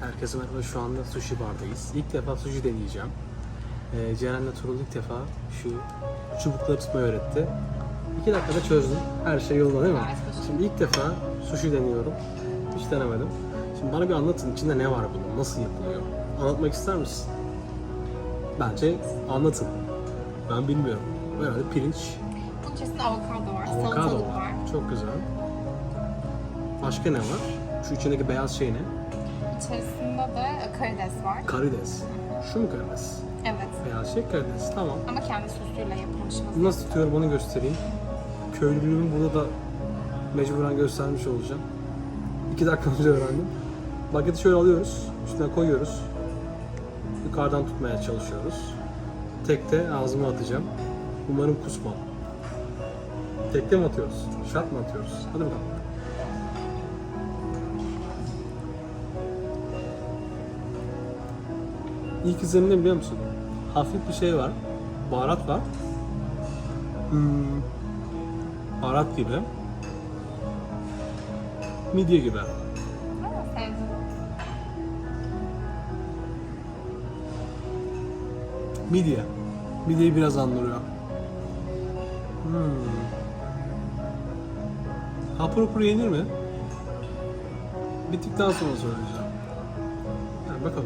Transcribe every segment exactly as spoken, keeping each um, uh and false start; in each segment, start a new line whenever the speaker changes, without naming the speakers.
Herkese merhaba, şu anda sushi bardayız. İlk defa sushi deneyeceğim. Ee, Ceren'le Turul ilk defa şu çubukları tutmayı öğretti. İki dakikada çözdüm. Her şey yolunda değil mi? Şimdi ilk defa sushi deniyorum. Hiç denemedim. Şimdi bana bir anlatın, içinde ne var bunun, nasıl yapılıyor? Anlatmak ister misin? Bence anlatın. Ben bilmiyorum. Herhalde pirinç.
Bunun içerisinde avokado var,
Avokado
salatalık
var.
var.
Çok güzel. Başka ne var? Şu içindeki beyaz şey ne?
İçerisinde de karides var.
Karides. Şu mu karides?
Evet.
Beyaz şey karides. Tamam.
Ama kendi sosuyla yapılmış vaziyette.
Nasıl tutuyorum onu göstereyim. Köylülüğümü burada da mecburen göstermiş olacağım. İki dakika önce öğrendim. Bageti şöyle alıyoruz. Üstüne koyuyoruz. Yukarıdan tutmaya çalışıyoruz. Tekte ağzıma atacağım. Umarım kusmam. Tekte mi atıyoruz? Şart mı atıyoruz? Hadi bakalım. İlk izlenim ne biliyor musun? Hafif bir şey var. Baharat var. Hmm. Baharat gibi. Midye gibi.
Ama sevdim.
Midye. Midyeyi biraz andırıyor. Hmm. Hapur hapur yenir mi? Bittikten sonra söyleyeceğim. Yani bakalım.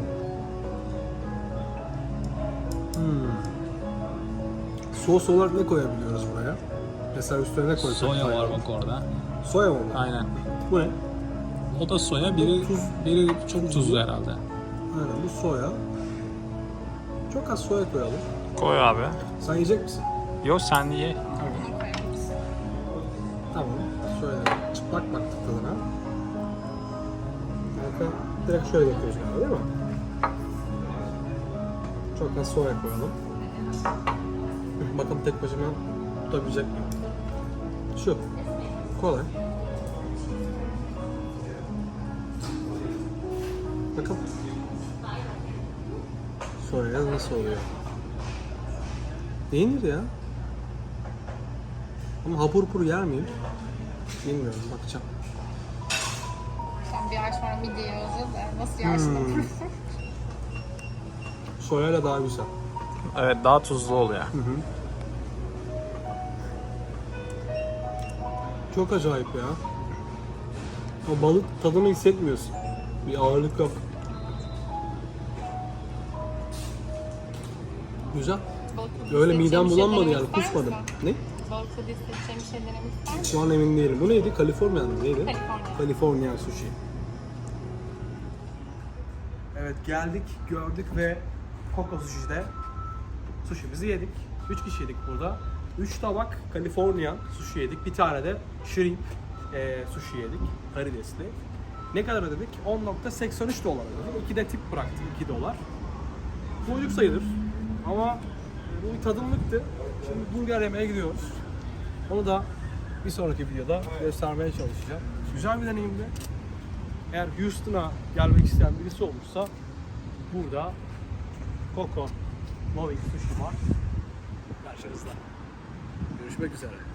Hmm. Sos olarak ne koyabiliyoruz buraya? Mesela üstüne ne koysak?
Soya var
faydalı?
bak orada.
Soya mı bu?
Aynen.
Bu ne?
O da soya, biri
Tuz.
biri çok tuzlu herhalde.
Aynen bu soya. Çok az soya koyalım.
Koy abi.
Sen yiyecek misin?
Yo sen ye.
Bunu koyabiliriz.
Tamam. Şöyle çıplak baktık tadına. Arka direkt şöyle yapıyoruz galiba değil mi? Çok az soya koyalım. Bakalım tek başıma tutabilecek miyim? Şu. Kolay. Bakalım. Soya nasıl oluyor? Yenir ya. Ama hapur hapur yer miyim? Bilmiyorum, bakacağım.
Sen bir ay sonra midye yazıyor da nasıl yersin?
Hmm. Soyayla daha güzel.
Evet, daha tuzlu oluyor.
Hı hı. Çok acayip ya. O balık tadını hissetmiyorsun. Bir ağırlık yok. Güzel. Öyle midem bulanmadı yani, kusmadım. Ne?
Balıkta hissedeceğim bir şey denemek ister misin?
Şu an emin değilim. Bu neydi? Kaliforniyan mı? Neydi?
Kaliforniya.
Kaliforniyan sushi. Evet, geldik, gördük ve Koko Sushi'de sushi'mizi yedik. Üç kişi yedik burada. Üç tabak Kaliforniyan sushi yedik. Bir tane de shrimp e, sushi yedik. Karidesli. Ne kadar ödedik? on virgül seksen üç dolar ödedik. iki de tip bıraktı. iki dolar. Bu ucuz sayılır. Ama bu bir tadımlıktı. Şimdi burger yemeye gidiyoruz. Onu da bir sonraki videoda göstermeye çalışacağım. Güzel bir deneyimdi. Eğer Houston'a gelmek isteyen birisi olursa burada Koko Moving Sushi var. Karşınızda. Görüşmek üzere.